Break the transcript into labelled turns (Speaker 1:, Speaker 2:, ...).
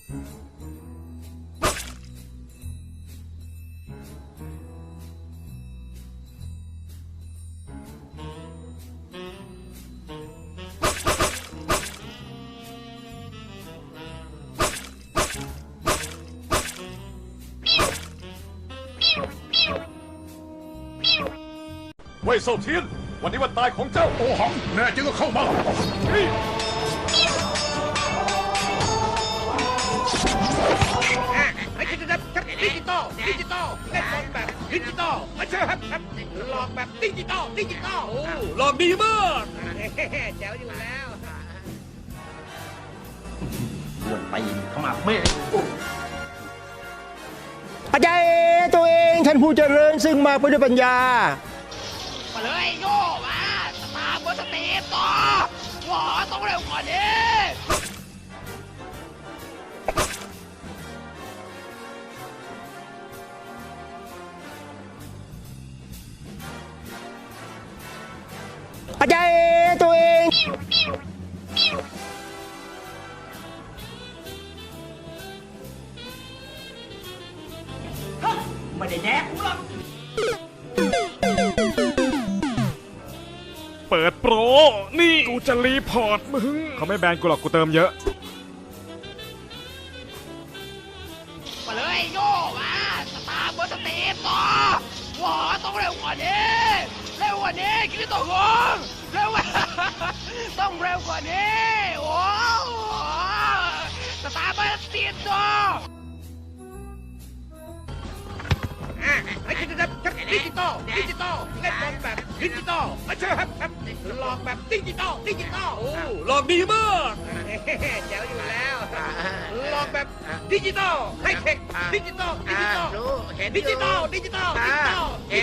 Speaker 1: เว่ยเซาเทียนวันนี้วันตายของเจ้าโอหังแน่จริงก็เข้ามา
Speaker 2: ดิจิตอลเล่นบอลแบบดิจิตอลมาเชื่อครับหลอกแบบดิจิตอล
Speaker 1: หลอกดีมาก
Speaker 2: แจ๋วอยู่แล้ว
Speaker 3: อ้วนไปเข้ามาไม่
Speaker 4: อาจารย์ตัวเองท่านผู้เจริญซึ่งมาไปด้วยปัญญา
Speaker 2: มาเลยโย่มาสตาร์บนสเตจต่อหวอต้องเร็วกว่านี้
Speaker 4: อาจารย์ตัวเอง
Speaker 3: ไม่ได้แดกกูหรอก
Speaker 1: เปิดโปรนี่กูจะรีพอร์ตมึงเขาไม่แบนกูหรอกกูเติมเยอะ
Speaker 2: มาเลยโย่มาสตาร์บนสเตจต่อหวอต้องเร็วกว่านี้คิดต่อหัวเร็วต้องเร็วกว่านี้โอ้สตาร์บนสเตจต่อดิจิตอลเล่นบอลแบบดิจิตอลมาเชื่อครับหลอกแบบดิจิตอล
Speaker 1: หลอกดีมาก
Speaker 2: แจ๋วอยู่แล้วหลอกแบบดิจิตอลให้เทคดิจิตอลดิจิตอล